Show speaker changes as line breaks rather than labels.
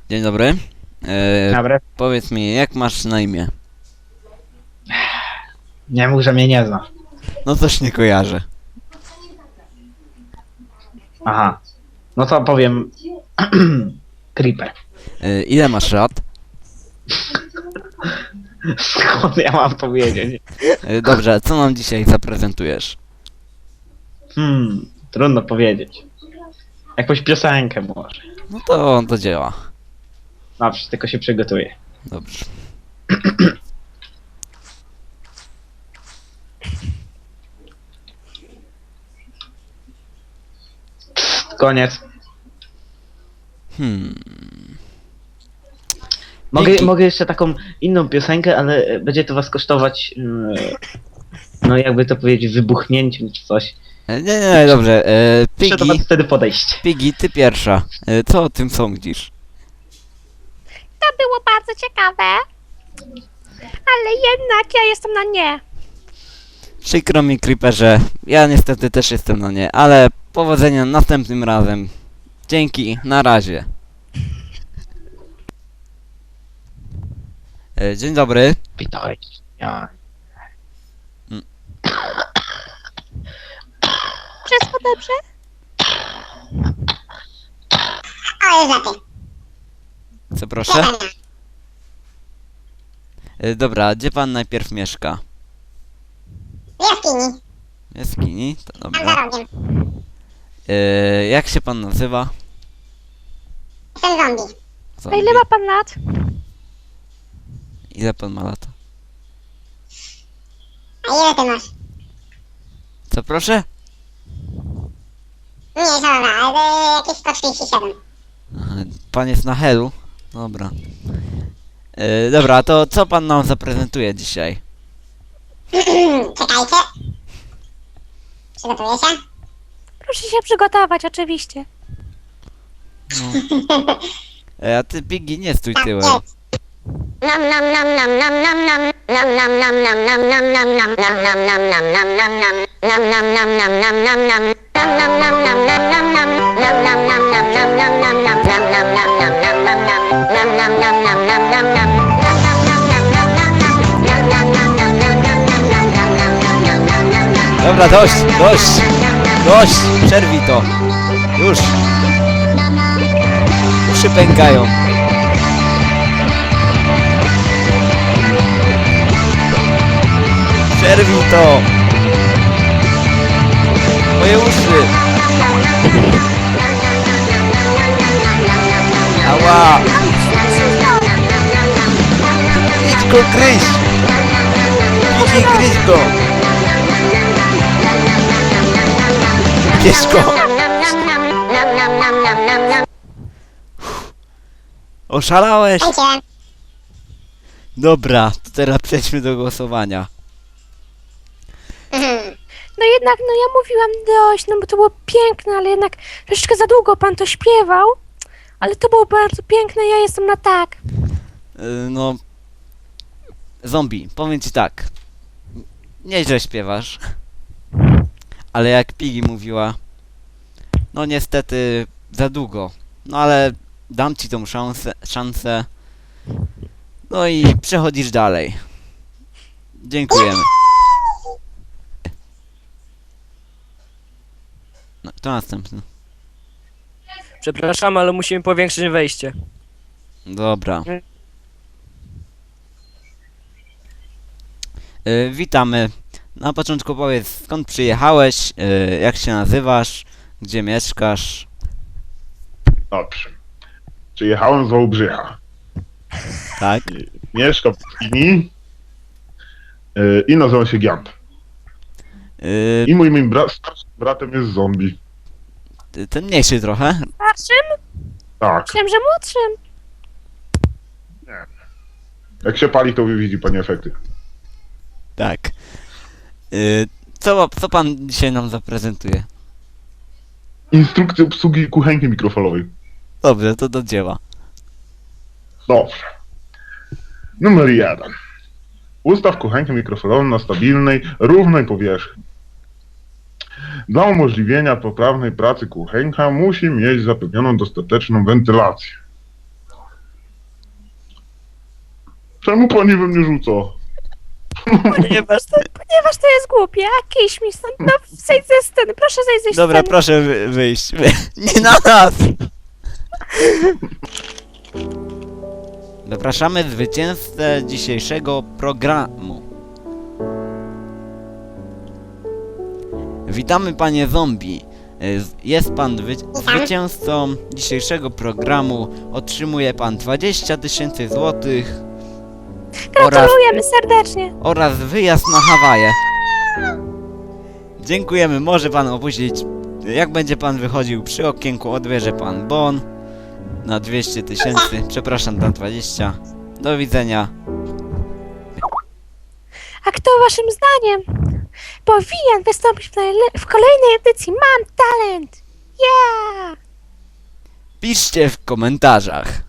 Dzień dobry.
Dobra.
Powiedz mi, jak masz na imię?
Nie mów, że mnie nie zna.
No coś nie kojarzę.
Aha. No to powiem... Creeper.
Ile masz lat?
Skąd ja mam powiedzieć?
Dobrze, co nam dzisiaj zaprezentujesz?
Trudno powiedzieć. Jakąś piosenkę może.
No to do dzieła.
Dobrze, tylko się przygotuję.
Dobrze.
Koniec.
Hmm.
Mogę jeszcze taką inną piosenkę, ale będzie to was kosztować... no jakby to powiedzieć, wybuchnięciem czy coś.
Nie, dobrze.
Muszę do was wtedy podejść.
Piggy, ty pierwsza. Co o tym sądzisz?
To było bardzo ciekawe, ale jednak ja jestem na nie.
Przykro mi, Creeperze. Ja niestety też jestem na nie, ale powodzenia następnym razem. Dzięki, na razie. Dzień dobry.
Witajcie. Ja.
Wszystko dobrze?
O, już lepiej.
Co proszę? Dobra, gdzie pan najpierw mieszka?
W jaskini,
W jaskini? To
tam za
dobra.
rogiem.
Jak się pan nazywa?
Jestem zombie.
A
Zombie.
ile ma pan lat?
Ile pan ma lat?
A ile ty masz?
Co proszę?
Nie, dobra, ale jakieś 137.
Aha, pan jest na helu? Dobra. Dobra, to co pan nam zaprezentuje dzisiaj?
Czekajcie. Przygotuję się.
Proszę się przygotować, oczywiście.
A ty, Piggy, nie stój
Tak,
tyłem.
jest. Nom nom nom nom nom nom nom. Nom nom nom nom nom nom nom nom nom nom nom nom nom nom nom. Nom nom nom nom nom nom nom. Nom nom nom nom nom nom nom. Nom nom nom nom nom nom nom nom. Nom nom nom nom nom nom nom. Nom nom nom nom nom nom nom. Nom nom nom nom nom nom nom. Nom nom nom nom nom nom nom. Nom nom nom nom nom nom nom nom.
Dobra, dość! Dość! Przerwij to! Już! Uszy pękają. Przerwij to! Moje uszy! Ała! Idź go gryź! Idź gryź go! Bierz go! Oszalałeś?
Tańczyłem.
Dobra, to teraz przejdźmy do głosowania.
No jednak, no ja mówiłam dość, no bo to było piękne, ale jednak troszeczkę za długo pan to śpiewał. Ale to było bardzo piękne, ja jestem na tak.
No... Zombie, powiem ci tak. Nieźle śpiewasz. Ale jak Piggy mówiła... No niestety za długo. No ale dam ci tą szansę. No i przechodzisz dalej. Dziękujemy. No, kto następny?
Przepraszam, ale musimy powiększyć wejście.
Dobra. Witamy. Na początku powiedz, skąd przyjechałeś, jak się nazywasz, gdzie mieszkasz.
Dobrze. Przyjechałem z Wałbrzycha.
Tak?
Mieszkam w Jaskini i nazywam się Giant. I moim starszym bratem jest zombie.
Ten mniejszy trochę.
Starszym?
Tak.
Myślałem, że młodszym.
Jak się pali, to widzi pani efekty.
Tak. Co pan dzisiaj nam zaprezentuje?
Instrukcję obsługi kuchenki mikrofalowej.
Dobrze, to do dzieła.
Dobrze. Numer 1. Ustaw kuchenkę mikrofalową na stabilnej, równej powierzchni. Dla umożliwienia poprawnej pracy kuchenka musi mieć zapewnioną dostateczną wentylację. Czemu pani we mnie rzuca?
Ponieważ to jest głupie, a kiś mi stąd, no zejdź ze sceny, proszę zejść ze
Dobra,
sceny.
proszę wyjść. Nie na nas! Zapraszamy zwycięzcę dzisiejszego programu. Witamy panie zombie. Jest pan zwycięzcą dzisiejszego programu. Otrzymuje pan 20 000 złotych
Gratulujemy serdecznie.
oraz wyjazd na Hawaje. Dziękujemy, może pan opuścić. Jak będzie pan wychodził przy okienku, odbierze pan bon na 200 000. Przepraszam, na 20. Do widzenia.
A kto waszym zdaniem powinien wystąpić w kolejnej edycji Mam Talent? Yeah!
Piszcie w komentarzach.